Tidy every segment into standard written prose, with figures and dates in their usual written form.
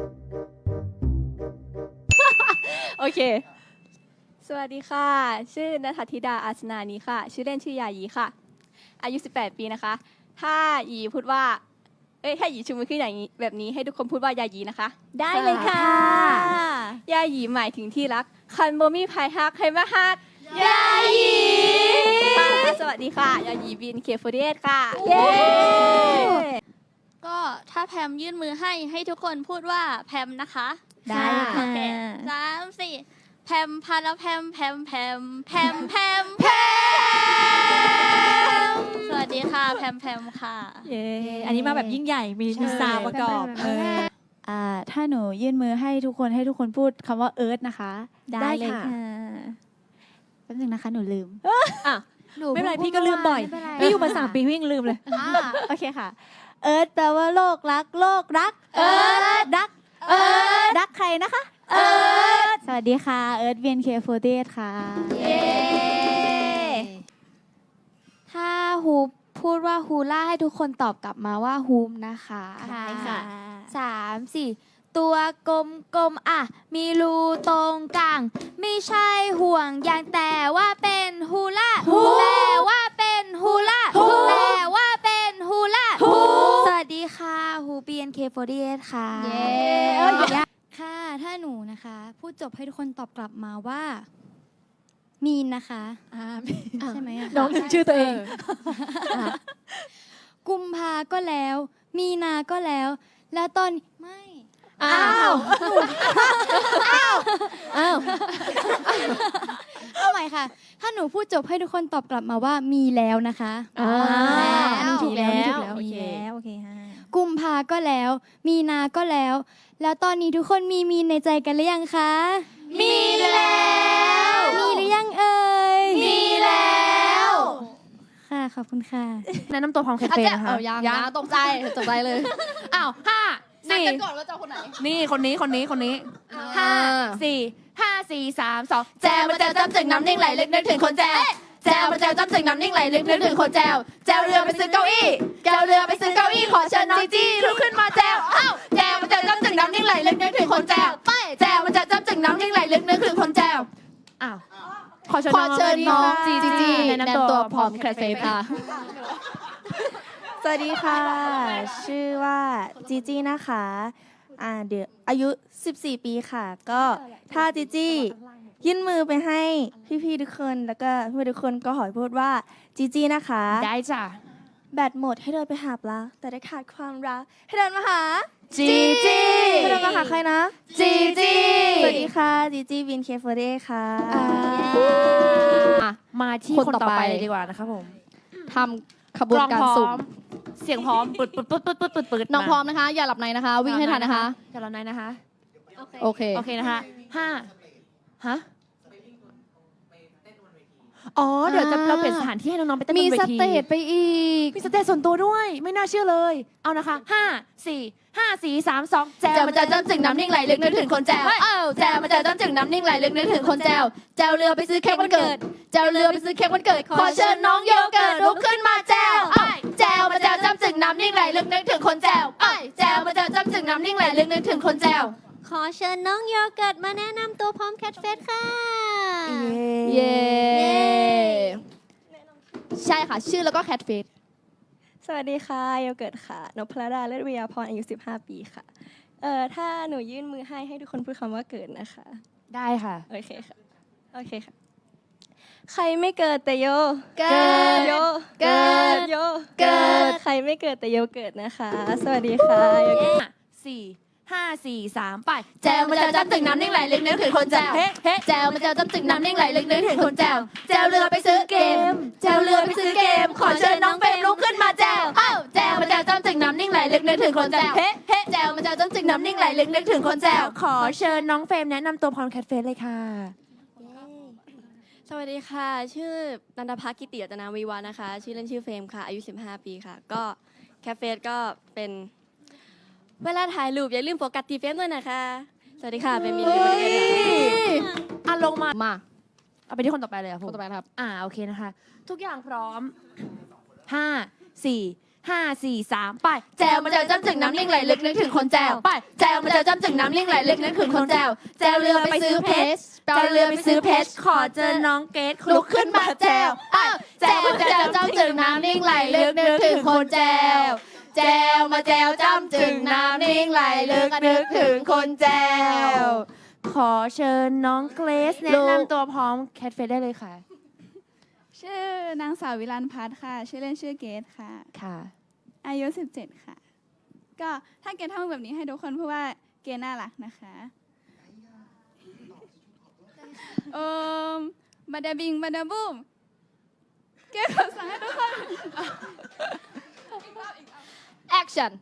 โอเคสวัสดีค่ะชื่อณัฐธิดาอาสนานีค่ะชื่อเล่นชื่อยายีค่ะอายุ18ปีนะคะถ้ายีพูดว่าถ้ายีชูมือขึ้นอย่างนี้แบบนี้ให้ทุกคนพูดว่ายายีนะคะได้เลยค่ะยายีหมายถึงที่รักคันโบมี่พายฮักใครมาฮักยายีสวัสดีค่ะยายีBNK48ค่ะเย้ก็ถ้าแพมยื่นมือให้ทุกคนพูดว่าแพมนะคะได้ค่ะโอเค3 4แพมพาราแพมแพมแพมแพมแพมแพมสวัสดีค่ะแพมแพมค่ะเย้อันนี้มาแบบยิ่งใหญ่มีซาวประกอบถ้าหนูยื่นมือให้ทุกคนพูดคำว่าเอิร์ธนะคะได้เลยค่ะแป๊บนึงนะคะหนูลืมไม่เป็นไรพี่ก็ลืมบ่อยพี่อยู่มา3 ปีพี่ยังลืมเลยโอเคค่ะ เอิร์ธแปลว่าโลกรักเอิร์ธรักใครนะคะสวัสดีค่ะเอิร์ธBNK48ค่ะเย้ถ้าฮูปพูดว่าฮูล่าให้ทุกคนตอบกลับมาว่าฮูมนะคะค่ะ 3 4ตัวกลมอ่ะมีรูตรงกลางไม่ใช่ห่วงยางแต่ว่าเป็นฮูล่าแต่ว่าเป็นฮูล่าแต่ว่าเป็นฮูล่าสวัสดีค่ะฮู BNK48 ค่ะเย้ค่ะถ้าหนูนะคะพูดจบให้ทุกคนตอบกลับมาว่ามีนนะคะใช่ไหมอะน้องชื่อตัวเองกุมภาก็แล้ว มีนาก็แล้ว แล้วตอนไม่อ้าวเอาใหม่ค่ะ ถ้าหนูพูดจบให้ทุกคนตอบกลับมาว่ามีแล้วนะคะอันนี้ถูกแล้วโอเคโอเคฮะกุมภาก็แล้ว มีนาก็แล้ว แล้วตอนนี้ทุกคนมีมีนในใจกันหรือยังคะมีแล้วมีหรือยังเอ่ยมีแล้วค่ะขอบคุณค่ะแนะนำตัวพร้อมแคทเฟ่นะคะยังนะตกใจเลยอ้าวนัด 4 กันก่อนว่าจะเอาคนไหนนี่คนนี้5 4 3 2 แจวมาแจวจ้ำจึงน้ำนิ่งไหลลึกนึกถึงคนแจวแจวมาแจวจ้ำจึงน้ำนิ่งไหลลึกนึกถึงคนแจวแจวเรือไปซื้อเก้าอี้แจวเรือไปซื้อเก้าอี้ขอเชิญน้องจีลุกขึ้นมาแจวแจวมาแจวจ้ำจึงน้ำนิ่งไหลลึกนึกถึงคนแจวแจวมาแจวจ้ำจึงน้ำนิ่งไหลลึกนึกถึงคนแจวอ้าวขอเชิญน้องจีแนะนำตัวพร้อมแคทเฟ่ค่ะสวัสดีค่ะ ชื่อว่าจีจี้นะคะเดี๋ยวอายุ14 ปีค่ะ ก็ถ้าจีจี้ยื่นมือไปให้พี่ๆทุกคนแล้วก็เพื่อนทุกคนก็ขอพูดว่าจีจี้นะคะได้จ้ะแบตหมดให้เดินไปหาปลาแต่ได้ขาดความรักให้เดินมาหาจีจีให้เดินมาหาใครนะจีจีสวัสดีค่ะจีจี้BNK48ค่ะมาที่คนต่อไปเลยดีกว่านะคะผมทำขบวนการสุ่มเสียงพร้อมปึดน้องพร้อมนะคะ อย่าหลับในนะคะ วิ่งให้ทันนะคะจะรอไหนนะคะโอเคโอเคนะคะ5ฮะอ๋อเดี๋ยวเราเปลี่ยนสถานที่ให้น้องๆไปเต้นบนเวทีมีสเตจไปอีกมีสเตจส่วนตัวด้วยไม่น่าเชื่อเลยเอานะคะ5 4 3 2 แจวมาแจวจ้ำจึงน้ำนิ่งไหลลึกนึกถึงคนแจวแจวมาแจวจ้ำจึงน้ำนิ่งไหลลึกนึกถึงคนแจวแจวเรือไปซื้อเค้กวันเกิดแจวเรือไปซื้อเค้กวันเกิดขอเชิญน้องโยเกิร์ตลุกขึ้นมาแจวแจวมาแจวจ้ำจึงน้ำนิ่งไหลลึกนึกถึงคนแจวแจวมาแจวจ้ำจึงน้ำนิ่งไหลลึกนึกถึงคนแจวขอเชิญน้องโยเกิร์ตมาแนะนำตัวพร้อมแคทเฟสค่ะเย้ใช่ค่ะ ชื่อแล้วก็แคทเฟสสวัสดีค่ะโยเกิร์ตค่ะนพดาเลิศวิยาพรอายุ15 ปีค่ะถ้าหนูยื่นมือให้ทุกคนพูดคำว่าเกิดนะคะได้ค่ะโอเคค่ะ ใครไม่เกิดแต่โยเกิดโยเกิดโยเกิดใครไม่เกิดแต่โยเกิดนะคะ สวัสดีค่ะโยเกิร์ต 5 4 3 ไปแจวมาแจวจ้ำจึงน้ำนิ่งไหลลึกนึกถึงคนแจวแจวมาแจวจ้ำจึงน้ำนิ่งไหลลึกนึกถึงคนแจวแจวเรือไปซื้อเกมแจวเรือไปซื้อเกมขอเชิญน้องเฟรมลุกขึ้นมาแจวแจวมาแจวจ้ำจึงน้ำนิ่งไหลลึกนึกถึงคนแจวแจวมาแจวจ้ำจึงน้ำนิ่งไหลลึกนึกถึงคนแจวขอเชิญน้องเฟรมแนะนำตัวพร้อมแคทเฟสเลยค่ะสวัสดีค่ะ ชื่อนันทพัฒน์กิติรัตนาวิวานะคะ ชื่อเล่นชื่อเฟรมค่ะ อายุ15 ปีค่ะ ก็แคฟเฟสก็เป็นเวลาถ่ายรูปอย่าลืมโฟกัสที่เฟรมด้วยนะคะ สวัสดีค่ะ เป็นมินท์เป็นลงมามาเอาไปที่คนต่อไปเลยอะคนต่อไปนะครับโอเคนะคะ ทุกอย่างพร้อม5 4 5 4 3 ไปแจวมาแจวจ้ำจึงน้ำนิ่งไหลลึกนึกถึงคนแจวไปแจวมาแจวจ้ำจึงน้ำนิ่งไหลลึกนึกถึงคนแจวแจวเรือไปซื้อเพชรแจวเรือไปซื้อเพชรขอเจอน้องเกดลุกขึ้นมาแจวอ้าวแจวมาแจวจ้ำจึงน้ำนิ่งไหลลึกนึกถึงคนแจวแจวมาแจวจ้ำจึงน้ำนิ่งไหลลึกนึกถึงคนแจวขอเชิญน้องเกรซแนะนำตัวพร้อมแคทเฟสได้เลยค่ะชื่อนางสาววิรันพัฒน์ค่ะ ชื่อเล่นชื่อเกดค่ะค่ะอายุ 17 ค่ะ ก็ถ้าเกดทำแบบนี้ให้ทุกคนเพราะว่าเกดน่ารักนะคะบาดาบิงบาดาบูมเกดขอสั่งให้ทุกคน action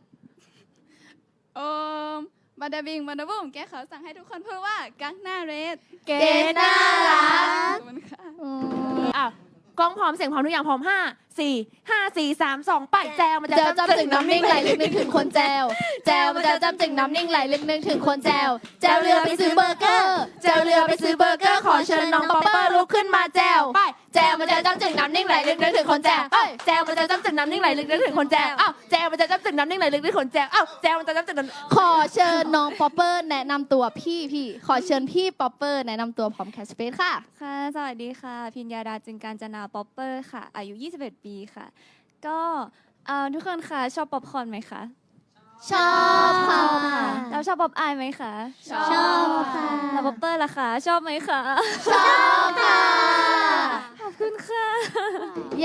บาดาบิงบาดาบูมเกดขอสั่งให้ทุกคนพูดว่ากักหน้าเรดเกดน่ารักขอบคุณค่ะอ่ะกล้องพร้อมเสียงพร้อมทุกอย่างพร้อม 5 4 5 4 3 2 ไปแจวมันจะแจวจ้ำจึงน้ำนิ่งไหลลึกนึกถึงคนแจวแจวมาแจวจ้ำจึงน้ำนิ่งไหลลึกนึกถึงคนแจวแจวเรือไปซื้อเบอร์เกอร์แจวเรือไปซื้อเบอร์เกอร์ขอเชิญน้องป๊อปเปอร์ลุกขึ้นมาแจวไปแจวมาแจวจ้ำจึงน้ำนิ่งไหลลึกนึกถึงคนแจวเอ้ยแจวมันจะจ้ำจึงน้ำนิ่งไหลลึกนึกถึงคนแจวอ้าวแจวมันจะจ้ำจึงน้ำนิ่งไหลลึกนึกถึงคนแจวอ้าวแจวมันจะจ้ำจึงน้ำขอเชิญน้องป๊อปเปอร์แนะนำตัวพี่ขอเชิญพี่ป๊อปเปอร์แนะนำตัวพร้อมแคชสเปซค่ะค่ะ สวัสดีค่ะ พิญญาดาจึงการจนาป๊อปเปอร์ค่ะ อายุ 21 ปีค่ะ ก็ทุกคนค่ะชอบป๊อปคอร์นไหมคะชอบค่ะแล้วชอบป๊อปอายไหมคะชอบค่ะแล้วป๊อปเปอร์ล่ะคะ ชอบไหมคะชอบค่ะขอบคุณค่ะเย้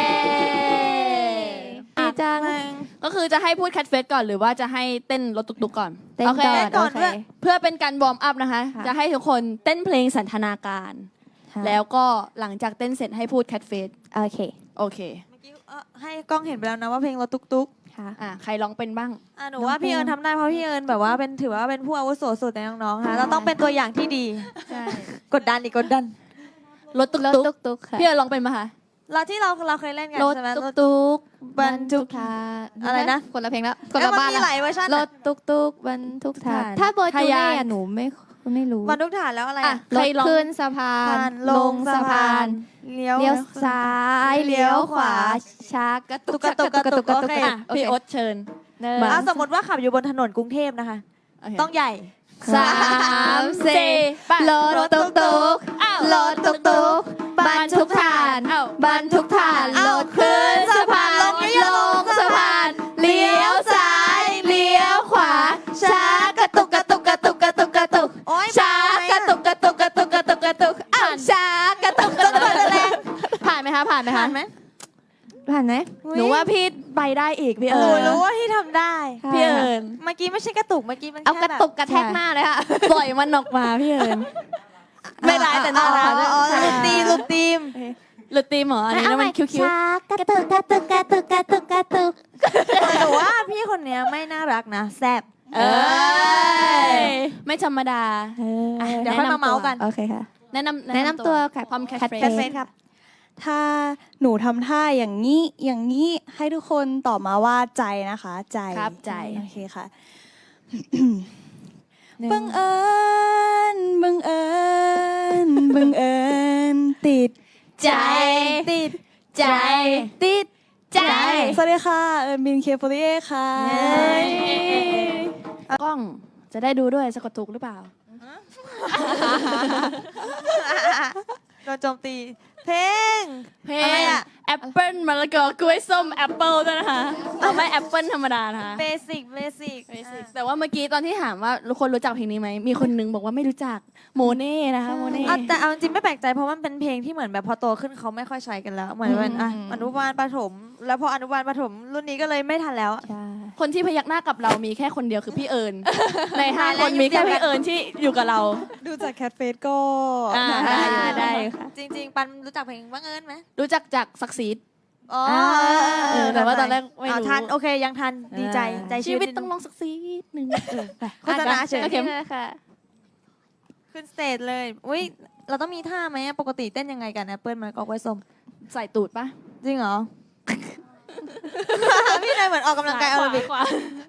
ดีจังก็คือจะให้พูดแคทเฟสก่อนหรือว่าจะให้เต้นรถตุกๆก่อนเต้นโอเคก่อนโอเคเพื่อเป็นการวอร์มอัพนะคะค่ะจะให้ทุกคนเต้นเพลงสันทนาการ แล้วก็หลังจากเต้นเสร็จให้พูดแคทเฟสโอเคโอเคเมื่อกี้ให้กล้องเห็นไปแล้วนะว่าเพลงรถตุ๊กค่ะใครร้องเป็นบ้างหนูว่าพี่เอิญทำได้เพราะพี่เอิญแบบว่าเป็นถือว่าเป็นผู้อาวุโสสุดในน้องๆค่ะเราต้องเป็นตัวอย่างที่ดีใช่กดดันอีกกดดันรถตุรถกตุ๊กๆค่ะๆพี่เอิญร้องเป็นปะคะเราที่เราเคยเล่นกันรถใช่ไหมตุ๊กๆบรรทุกทาอะไรนะคนละเพลงแล้วคนเอ้ยละมันบ้านมีแล้วหลายเวอร์ชันรอะถตุ๊กๆบรรทุกทานถ้าโบจูเน่อะหนูไม่รู้บรรทุกฐานแล้วอะไรอ่ะอะใครร้องขึ้นสะพาผ่าน นลงสะพานเลี้ยวเลี้ยวซ้ายเลี้ยวขวาช้ากระตุกกระตุกกระตุกโอเคพี่โอ๊ตเชิญหนึ่งมาสมมติว่าขับอยู่บนถนนกรุงเทพนะคะโอเคต้องใหญ่สามสี่ไปรถตุ๊กๆรถตุ๊กๆบรรทุกฐาน บรรทุกฐานรถขึ้นสะพานลงสะพานเลี้ยวซ้ายเลี้ยวขวาช้ากระตุกกระตุกกระตุกกระตุกกระตุกโอ๊ยช้ากระตุกกระตุกกระตุกกระตุกกระตุกอ้าวช้ากระตุกกระตุกกระตุกผ่านไหมคะผ่านไหมผ่าคะนไหมผ่านไหมหนูว่าพี่ไปได้อีกพี่หเอินูญรู้ว่าที่ทำได้พี่เอิญเมื่อกี้ไม่ใช่กระตุกเมื่อกี้มันเอาแค่กระแบบตุกกระแทกหน้าเลยค่ะปล่อยมันออกมาพี่เอิญไม่ร้ายแต่น่ารักอ๋อลูกทีมลูกทีมหรือตีมเหรออันนี้แล้วมันคิ้วช้ากระตุกกระตุกกระตุกกระตุกกระตุกหนูว่าพี่คนเนี้ยไม่น่ารักนะแซ่บๆเอ้ยไม่ธรรมดาเดี๋ยวค่อยมาเมาส์กันโอเคค่ะแนะนำตัวค่ะพร้อมแคทแคทเฟเฟสสครับถ้าหนูทำท่าอย่างนี้ให้ทุกคนตอบมาว่าใจนะคะ ใจครับใจโอเคค่ะ บังเอิญติดใจติดใจติดใจสวัสดีค่ะเอิญบินเคโฟรีค่ะกล้องจะได้ดูด้วยสะกดถูกหรือเปล่าโดนโจมตีเพลงเพลอะไรงอะแอปเปิ้ลมะละกอกล้วยส้มแอปเปิ้ลด้วยนะคะไม่แอปเปิ้ลธรรมดานะคะเบสิกแต่ว่าเมื่อกี้ตอนที่ถามว่าทุกคนรู้จักเพลงนี้ไหมมีคนนึงบอกว่าไม่รู้จักโมเน่นะคะโมเน่แต่เอาจริงไม่แปลกใจเพราะมันเป็นเพลงที่เหมือนแบบพอโตขึ้นเขาไม่ค่อยใช้กันแล้ว เหมือนเป็นอนุบาลประถม แล้วพออนุบาลประถมรุ่นนี้ก็เลยไม่ทันแล้วคนที่พยักหน้ากับเรามีแค่คนเดียวคือพี่เอิญใน5 คนมีแค่พี่เอิญที่อยู่กับเราดูจากแคทเฟสก็ได้ค่ะจริง ๆ ปันรู้จักเพลงบังเอิญไหมรู้จักจากศักดิ์ศรีอ๋อแต่ว่าตอนแรกไม่รู้ทันโอเคยังทันดีใจใจชีวิตนิดต้องลองสักซีดหนึ่งไปโฆษณาเฉยโอเคค่ะขึ้นสเตจเลยอุ้ยเราต้องมีท่าไหมปกติเต้นยังไงกันแอปเปิลมันก็ไว้ส้มใส่ตูดปะจริงเหรอ พี่นายเหมือนออกกำลังกายแอโรบิกขวา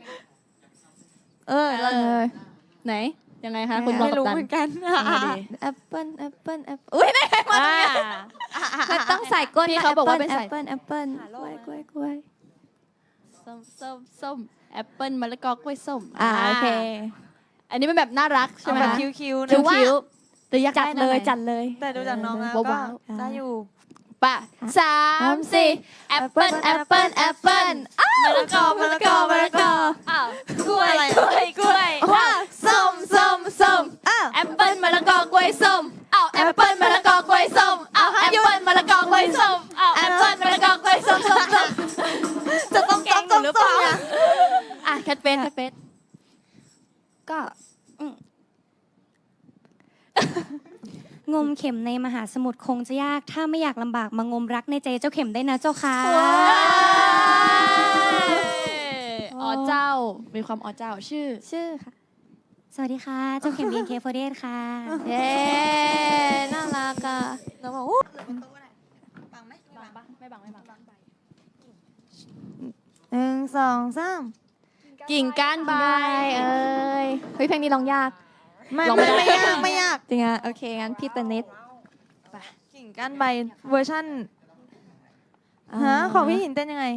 เราไหนยังไงคะคุณรองไม่กัปรู้ตันเหมือนกันแอปเปิ้ลอุ้ยมันต้องใส่ก้นพี่เขาบอกว่าเป็นแอใส่ปเปิ้ลกล้วยส้มแอปเปิ้ลมะละกอกล้วยส้มโอเคอันนี้เป็นแบบน่ารักใช่ไหมแบบคะคิ้วๆคิ้นะวๆแต่อยากจัดไนะเลยไหนจัดเลยแต่ดูจากน้องแล้วก็ว้าวได้อยู่ป่ะ3 4แอปเปิ้ลแอปเปิ้ลแอปเปิ้ลมะละกอมะละกอมะละกออ้าวกล้วยกล้วยกล้วยว้าวส้มแอปเปิ้ลมะละกอกล้วยส้มอ้าวแอปเปิ้ลมะละกอกล้วยส้มอ้าวแอปเปิ้ลมะละกอกล้วยส้มอ้าวแอปเปิ้ลมะละกอกล้วยส้มจะต้องแกล้งหนูหรือเปล่าอ่ะแคทเฟสก็งมเข็มในมหาสมุทรคงจะยาก ถ้าไม่อยากลำบากมางมรักในใจเจ้าเข็มได้นะเจ้าค่ะอ๋อเจ้ามีความอ๋อเจ้าชื่อค่ะ สวัสดีค่ะ เจ้าเข็ม BNK48 ค่ะเย้น่ารักอ่ะน้องบอกไม่บัง 1 2 3 กิ่งก้านใบเอ้ยเฮ้ยเพลงนี้ร้องยากไม่ลองไม่ไม่ได้ไม่ยากไม่ยากจริงอ่ะโอเคงั้นพี่เตนเน็ตกิ่งก้านใบเวอร์ชันฮะของพี่หินเต้นยังไง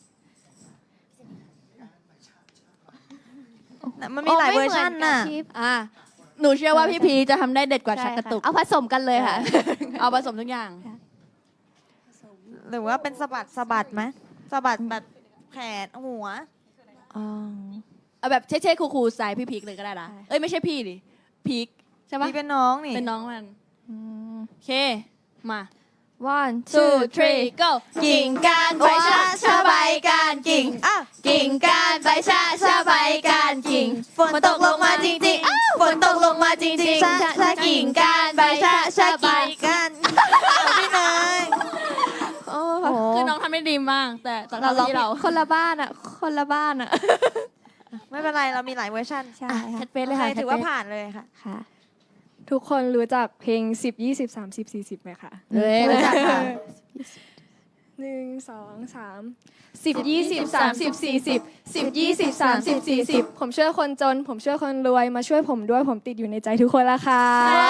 น่ะมันมีหลายเวอร์ชันน่ะอ่ะหนูเชื่อว่าพี่พีจะทำได้เด็ดกว่าชักกระตุกเอาผสมกันเลยค่ะเอาผสมทุกอย่างหรือว่าเป็นสะบัดไหมสะบัดแบบแขนหัวเอาแบบเช่ๆคูลๆสไตล์พี่พีกเลยก็ได้นะเอ้ยไม่ใช่พี่ดิพีกใช่ปะนี่เป็นน้องนี่เป็นน้องมันโอเคมา one 2 3 go กิ่งก้านใบชาใบก้านกิ่งอ่ะกิ่งก้านใบชาใบก้านกิ่งฝนตกลงมาจริงๆฝนตกลงมาจริงๆกิ่งก้านใบชาใบกันพี่เนยโอ้คือน้องทำได้ดีมากแต่ตอนที่เราคนละบ้านอ่ะคนละบ้านอ่ะไม่เป็นไรเรามีหลายเวอร์ชันใช่แคค่ะทเฟสเลยค่ะถือว่าผ่านเลยค่ะค่ะทุกคนรู้จักเพลง 10 20 30 40ไหมคะเฮ้ยรู้จักค่ะ 1 2 3 10 20 30 40 10 20 30 40 ผมช่วยคนจน ผมช่วยคนรวยมาช่วยผมด้วยผมติดอยู่ในใจทุกคนละค่ะ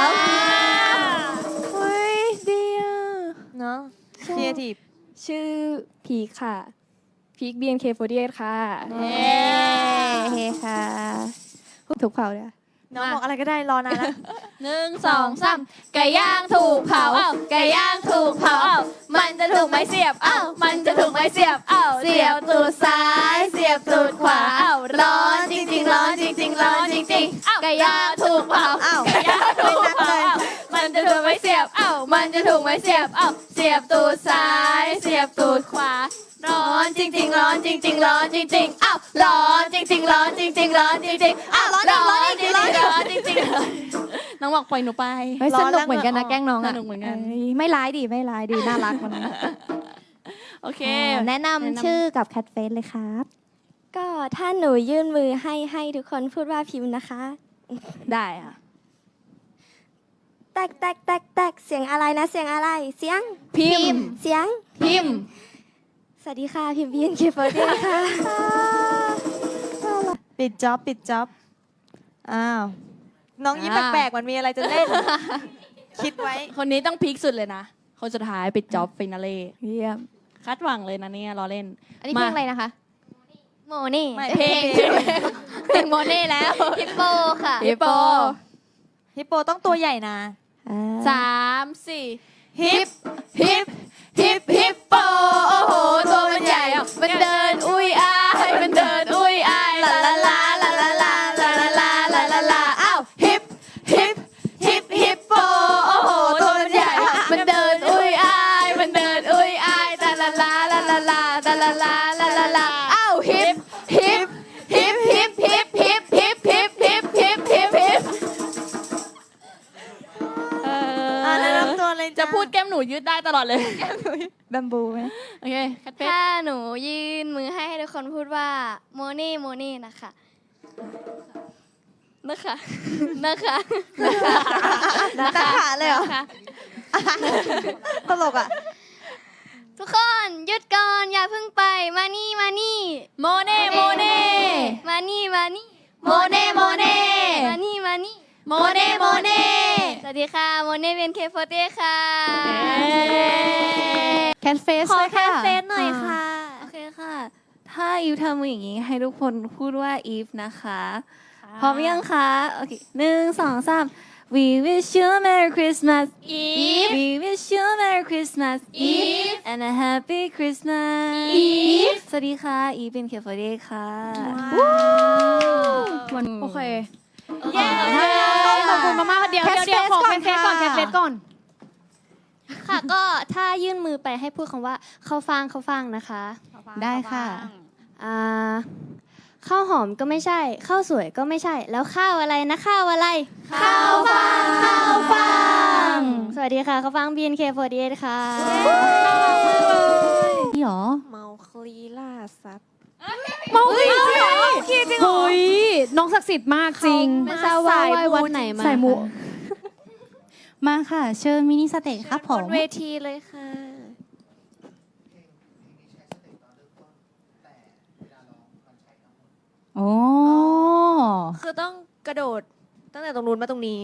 เฮ้ยดีอ่ะเนาะครีเอทีฟชื่อพีคค่ะ พีค BNK48 ค่ะเฮ้ค่ะถูกเผาเลยน้องบอกอะไรก็ได้รอนานแล้ว 1 2 3ไก่ย่างถูกเผาไก่ย่างถูกเผามันจะถูกไม้เสียบมันจะถูกไม้เสียบเสียบตูดซ้ายเสียบตูดขวาร้อนจริงๆร้อนจริงๆร้อนจริงๆไก่ย่างถูกเผาอ้าวไก่ย่างถูกเผามันจะถูกไม้เสียบมันจะถูกไม้เสียบเสียบตูดซ้ายเสียบตูดขวาร้อนจริงๆร้อนจริงๆร้อนจริงๆร้อนจริงๆร้อนจริงๆร้อนจริงๆร้อนจริงๆร้อนจริงๆน้องบอกปล่อยหนูไปเฮ้ยสนุกเหมือนกันนะแกล้งน้องสอ่ะนุกเหมือนกันเอ้ยไม่ร้ายดิไม่ร้ายดีน่ารักมันโอเคแนะนำชื่อกับแคทเฟสเลยครับก็ถ้าหนูยื่นมือให้ทุกคนพูดว่าพิมพ์นะคะได้ค่ะแตกแตกแตกแตกเสียงอะไรนะ เสียงอะไร เสียงพิมพ์เสียงพิมพ์สวัสดีค่ะ พิมพ์ BNK48 ค่ะปิดจ็อบอ้าวน้องยิ้มแปลกๆมันมีอะไรจะเล่น คิดไว้คนนี้ต้องพีคสุดเลยนะ คนสุดท้ายปิดจ็อบฟินาเล่เยี่ยมคาดหวังเลยนะเนี่ยรอเล่นอันนี้เพลงอะไรนะคะโมนี่ไม่เพลงเพลงโมเน่แล้วฮิปโปค่ะฮิปโปฮิปโปต้องตัวใหญ่นะ 3 4ฮิปโปโอ้โหตัวมันใหญ่มันเดินอุ้ยอายมันเดินอุ้ยอายลาลาลาลาลาลาลาลาลาลาลาลาอ้าวฮิปโปโอ้โหตัวมันใหญ่มันเดินอุ้ยอายมันเดินอุ้ยอายลาลาลาลาลาลาลาลาลาลาลาลาอ้าวฮิปแนะนำตัวเลยจะพูดแก้มหนูยืดได้ตลอดเลยแบมบูไหมโอเคคัดเฟสถ้าหนูยื่นมือให้ทุกคนพูดว่าโมนี่โมนี่นะคะนะคะนะคะขาเลยเหรอ ตลกอ่ะทุกคนหยุดก่อนอย่าเพิ่งไปมานี่มานี่โมเน่โมเน่มานี่มานี่โมเน่โมเน่มานี่มานี่โมเน่โมเน่สวัสดีค่ะโมเน่เป็นเคโฟเต้ค่ะแคทเฟสขอเลยแคค่ะสเฟซหน่อยค่ะโอเคค่ะ ถถ้าอีฟทำมืออย่างนี้ให้ทุกคนพูดว่าอีฟนะคะ พร้อมยังคะ โอเค1 2 3 We wish you a Merry Christmas Eve We wish you a Merry Christmas Eve and a Happy Christmas Eve สวัสดีค่ะ อีฟเป็นเคฟเดย์ค่ะโอเคขอบคุณมากๆเดี๋ยวขอแคสเฟสก่อนแคสเฟสก่อนค่ะก็ถ้ายื่นมือไปให้พูดคำว่าเข้าฟังนะคะได้ค่ะข้าวหอมก็ไม่ใช่ข้าวสวยก็ไม่ใช่ แล้วข้าวอะไรนะข้าวอะไรข้าวฟังสวัสดีค่ะข้าวฟัง BNK48 ค่ะนี่หรอเมาคลีล่าสัตว์เมาจริงเหรอเฮ้ยน้องศักดิ์สิทธิ์มากจริงไม่ทราบว่าไหว้วัดไหนมาใส่หมูมาค่ะ เชิญมินิสเตจครับผมเวทีเลยค่ะโอ้คือต้องกระโดดตั้งแต่ตรงนู้นมาตรงนี้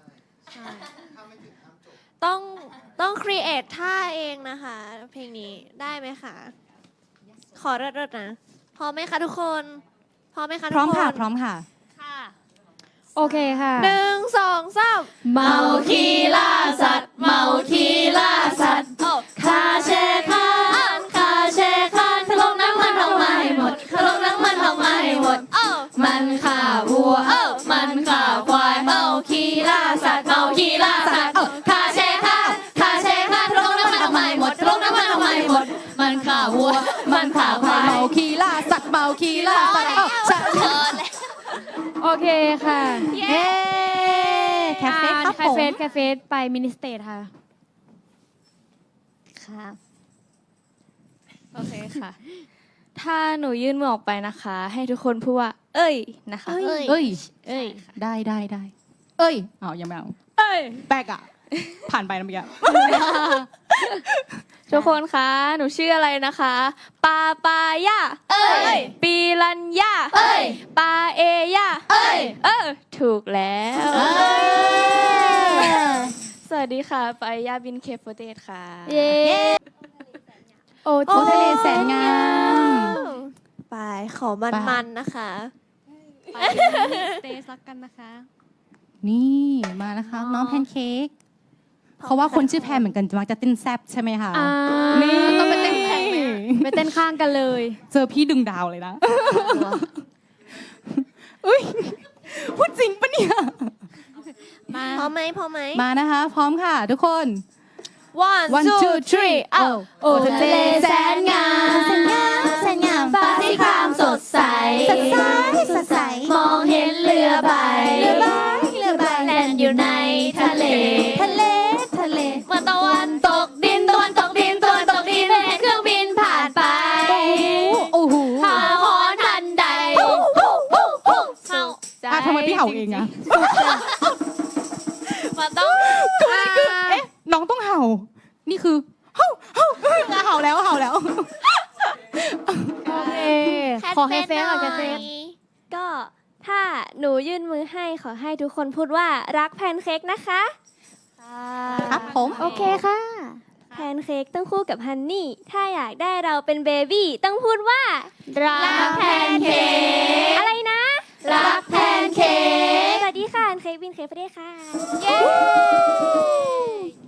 ต้องครีเอทท่าเองนะคะ เพลงนี้ได้ไหมคะ ขอเริดๆนะพร้อมไหมคะทุกคนพร้อมไหมคะทุกพร้อมคนค่ะ พร้อมค่ะโอเคค่ะ 1 2 3 เมาคีล่าสัตว์เมาคีล่าสัตว์คาเชคานคาเชคานขลงน้ำมันออกมาให้หมดขลงน้ำมันออกมาให้หมดมันข่าวัวมันข่าควายเมาคีล่าสัตว์เมาคีล่าสัตว์คาเชคานคาเชคานขลงน้ำมันออกมาให้หมดขลงน้ำมันออกมาให้หมดมันข่าวัวมันข่าควายเมาคีล่าสัตว์เมาคีล่าสัตว์โอเคค่ะเย้แคฟเฟ่ครับผมแคฟเฟสไปมินิสเตทค่ะค่ะโอเคค่ะ ถ้าหนูยื่นมือออกไปนะคะ ให้ทุกคนพูดว่า เอ้ย นะคะเอ้ยเอ้ยได้ เอ้ยเอายังไม่เอาเอ้ยแปลกอ่ะ ผ่านไปนะเมื่อกี้ทุกคนคะ หนูชื่ออะไรนะคะ ปาปายาเอ้ยปีรัญญาเอ้ยปาเอยาเอ้ยถูกแล้วเอ้ยสวัสดีค่ะ ปาเอยาบินเคฟเดตค่ะเย้โอ้โอ้ทะเลแสนงามไปขอมันๆนะคะสเตซักกันนะคะนี่มานะคะ น้องแพนเค้กเพราะว่าคนชื่อแพนเหมือนกันมักจะเต้นแซบใช่ไหมคะ นี่ต้องไปเต้นแข่งไหมไปเต้นข้างกันเลยเจอพี่ดึงดาวเลยนะอุ้ยพูดจริงปะเนี่ยพร้อมไหมพร้อมไหมมานะคะ พร้อมค่ะ ทุกคน 1 1 2 3 โอ้ทะเลแสนงามแสนงามฟ้าสีครามสดใสมองเห็นเรือใบแล่นอยู่ในทะเลเมื่อตะวันตกดินเห็นเครื่องบินผ่านไปโอ้โหหาหอนทันใดเฮาทำไมพี่เห่าเองอะมันต้องเอ๊ะน้องต้องเห่า นี่คือเห่าแล้วโอเค ขอแคฟเฟสค่ะแคฟเฟสก็ถ้าหนูยื่นมือให้ขอให้ทุกคนพูดว่ารักแพนเค้กนะคะครับผมโอเคค่ะ แพนเค้กต้องคู่กับฮันนี่ ถ้าอยากได้เราเป็นเบบี้ต้องพูดว่ารักแพนเค้กอะไรนะรักแพนเค้กสวัสดีค่ะแพนเค้กบินเค้กประเทศค่ะเย้